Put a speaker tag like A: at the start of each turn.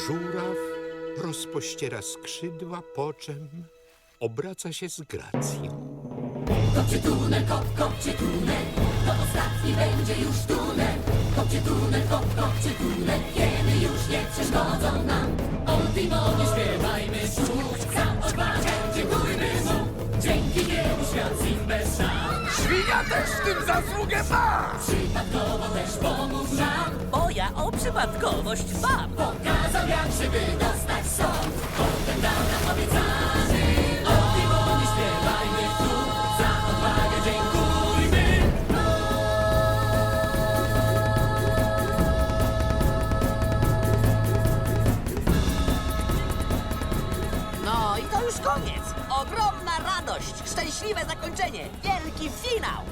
A: Żuraw rozpościera skrzydła, po czym obraca się z gracją.
B: Kopcie tunel, kopcie tunel, to ostatni będzie już tunel. Kopcie tunel, kopcie tunel, kiedy już nie przeszkodzą nam. Ultimo nie śpiewajmy słów, za odwagę dziękujmy mu. Dzięki niemu świat zim bez szan.
C: Świnia też w tym zasługę ma!
B: Przypadkowo też pomógł nam.
D: Bo ja o przypadkowość dbam.
B: Pokazał jak się wydostać stąd. Potem dał nam obiecany. Ultimo nie śpiewajmy słów, za odwagę dziękujmy.
D: No i to już koniec. Ogromna radość, szczęśliwe zakończenie, wielki finał.